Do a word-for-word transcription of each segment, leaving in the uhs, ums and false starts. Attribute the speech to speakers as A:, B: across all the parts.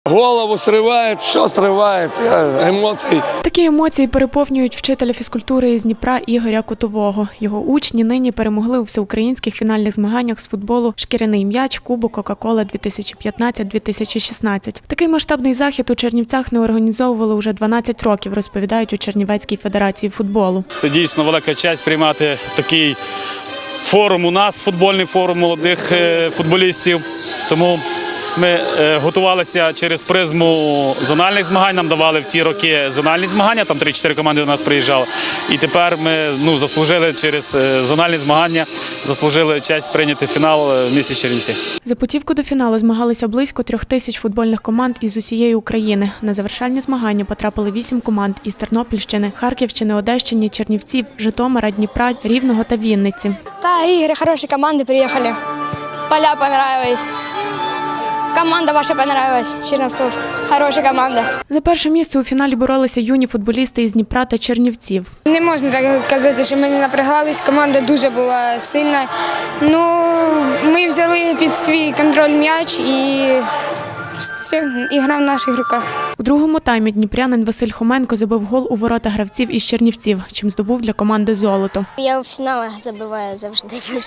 A: голову сриває, все сриває, емоції.
B: Такі емоції переповнюють вчителя фізкультури із Дніпра Ігоря Котового. Його учні нині перемогли у всеукраїнських фінальних змаганнях з футболу «Шкіряний м'яч» Кубок Кока-Кола дві тисячі п'ятнадцять - дві тисячі шістнадцять. Такий масштабний захід у Чернівцях не організовували уже дванадцять років, розповідають у Чернівецькій федерації футболу.
C: Це дійсно велика честь приймати такий форум у нас, футбольний форум молодих футболістів. Тому ми готувалися через призму зональних змагань, нам давали в ті роки зональні змагання, там три-чотири команди до нас приїжджали. І тепер ми ну, заслужили через зональні змагання, заслужили честь прийняти фінал в місті Чернівці.
B: За путівку до фіналу змагалися близько трьох тисяч футбольних команд із усієї України. На завершальні змагання потрапили вісім команд із Тернопільщини, Харківщини, Одещини, Чернівців, Житомира, Дніпра, Рівного та Вінниці.
D: Та ігри, хороші команди приїхали, поля понравились. Команда ваша понравилась, Черновцов. Хороша команда.
B: За перше місце у фіналі боролися юні футболісти із Дніпра та Чернівців.
D: Не можна так казати, що ми не напрягались. Команда дуже була сильна. Ну, ми взяли під свій контроль м'яч і все, ігра в наших руках.
B: У другому таймі дніпрянин Василь Хоменко забив гол у ворота гравців із Чернівців, чим здобув для команди золото.
E: Я у фіналах забиваю завжди.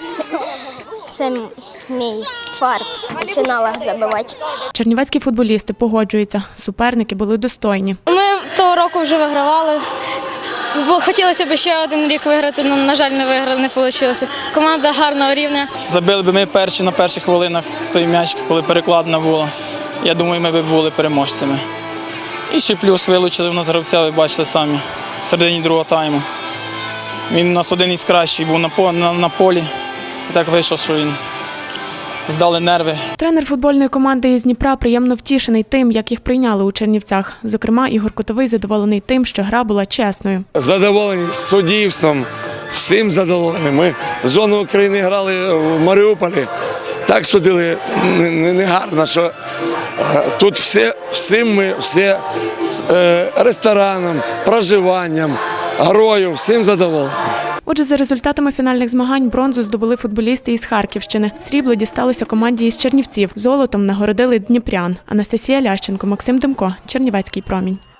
E: Це мій фарт у фіналах забивати.
B: Чернівецькі футболісти погоджуються, суперники були достойні.
F: Ми того року вже вигравали. Хотілося б ще один рік виграти, але, на жаль, не виграли, не вийшло. Команда гарного рівня.
G: Забили б ми перші на перших хвилинах той м'яч, коли перекладна була. Я думаю, ми б були переможцями. І ще плюс вилучили в нас гравця, ви бачите самі, в середині другого тайму. Він у нас один із кращих був на, на, на полі. І так вийшло, що він здали нерви.
B: Тренер футбольної команди із Дніпра приємно втішений тим, як їх прийняли у Чернівцях. Зокрема, Ігор Котовий задоволений тим, що гра була чесною.
A: Задоволені суддівством, всім задоволені. Ми зону України грали в Маріуполі, так судили негарно, що тут все, всім ми, все ресторанам, проживанням, грою, всім задоволені.
B: Отже, за результатами фінальних змагань бронзу здобули футболісти із Харківщини. Срібло дісталося команді із Чернівців. Золотом нагородили дніпрян. Анастасія Лященко, Максим Демко, Чернівецький промінь.